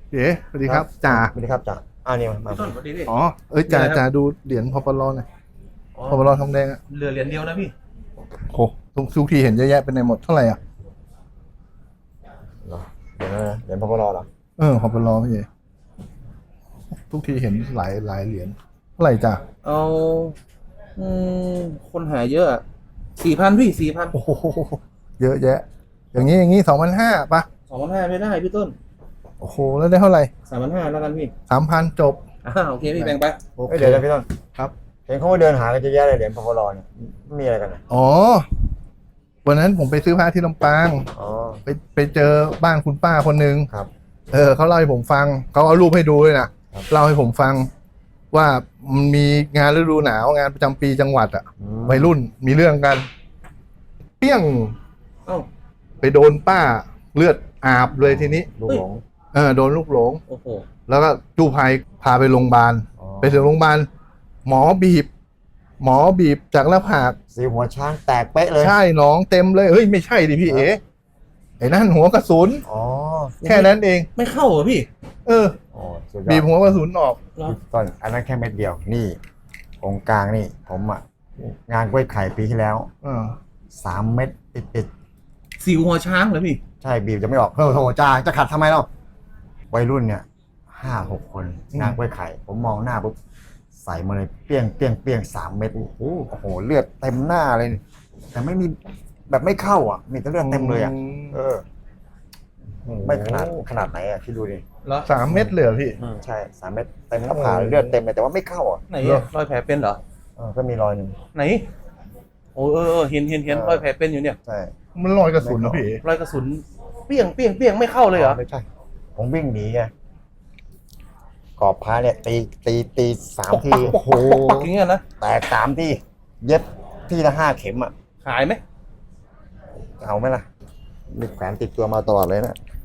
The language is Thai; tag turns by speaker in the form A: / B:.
A: เอ๋สวัสดีครับจ่า
B: สวัสดีครับจ่านี่มา
C: ต้นสวัสดีพี่
A: อ๋อจ่าดูเหรียญพอปลอหน่อยพอปลอทองแดงอ่ะ
C: เหลือเหรียญเดียวนะพี่
A: โหทุกทีเห็นเยอะแยะเป็นในหมดเท่าไหร่อ่ะ
B: เหรอเดี๋ยวนะเหรียญพปรเหรอ
A: พอปลอพี่เอ๋ทุกทีเห็นหลายเหรียญเท่าไหร่จ่า
C: เอาคนหาเยอะ4,000พี่4,000
A: โอ้โหเยอะแยะ อย่างนี้2,500ป่ะ
C: 2,500ไม่ได้พี่ต้น
A: โอ้โหแล้วได้เท่าไหร่
C: 3,500แล้วกันพี่
A: 3,000จบ
C: โอเคพี่แบ่งไป
A: โอเค
B: เดี๋ยวนะพี่ต้น
A: ครับ
B: เห็นเขาว่าเดินหากันเยอะแยะเลยเหรียญพปรเนี่ยมีอะไรกันนะ
A: อ๋อวันนั้นผมไปซื้อผ้าที่ลำปาง
B: อ๋อ
A: ไปเจอบ้านคุณป้าคนหนึ่ง
B: ครับ
A: เขาเล่าให้ผมฟังเขาเอารูปให้ดูเลยนะครับ เล่าให้ผมฟังว่ามันมีงานฤดูหนาวงานประจำปีจังหวัดอ่ะวัยรุ่นมีเรื่องกันเปี้ยง
C: เอ้า
A: ไปโดนป้าเลือดอาบเลยทีนี้
B: ลูกหลง
A: โดนลูกหลง
C: โอ้โห
A: แล้วก็กู้ภัยพาไปโรงพยาบาล
B: อ๋อ
A: ไปถึงโรงพยาบาลหมอบีบจากหน้าผาก
B: สีหัวช้างแตกเป๊ะเลย
A: ใช่หน้องเต็มเลยเฮ้ยไม่ใช่ดิพี่เอ๋ไอ้นั่นหัวกระสุน
B: อ๋อ
A: แค่นั้นเอง
C: ไม่เข้าเหรอพี่
B: อ๋อสุดยอด
A: บีบหัวกระสุนออก
C: เหรอ
B: ต้นอันนั้นแค่เม็ดเดียวนี่องค์กลางนี่ผมงานกล้วยไข่ปีที่แล้ว 3 เม็ดติด
C: สิวหัวช้างเหรอพี่
B: ใช่บีบจะไม่ออกโอ้โหจ่าจะขัดทำไมเล่าวัยรุ่นเนี่ย5-6 คนงานกล้วยไข่ ผมมองหน้าปุ๊บใส่มาเลยเปี้ยง3 เม็ดโอ้โหเลือดเต็มหน้าเลย แต่ไม่มีแบบไม่เข้าอ่ะ มีแต่เลือดเต็มเลยอ่ะไม่ขนาดไหนอ่ะพี่ดูดิ
C: เหรอ
A: 3 เม็ดเลยเหรอพี่
B: ใช่3 เม็ดเต็มหน้าผากเลยเลือดเต็มเลยแต่ว่าไม่เข้าอ่ะ
C: ไหนอะรอยแผลเป็นเหรอ
B: ก็มีรอยหนึ่ง
C: ไหน โอ้เห็นรอยแผลเป็นอยู่เนี่ย
B: ใช่
A: มันรอยกระสุนนะพี่
C: รอยกระสุนเปี้ยงไม่เข้าเลยเหรอ
B: ไม่ใช่ผมวิ่งหนีไงกรอบพระเนี่ยตี3 ทีโอ้โห
C: อย่างเงี้ยนะ
B: แตก3 ทีเย็บที่ละ5 เข็มอ่ะ
C: ขายไหม
B: เอาไหมล่ะมีแขวนติดตัวมาตลอดเลยนะ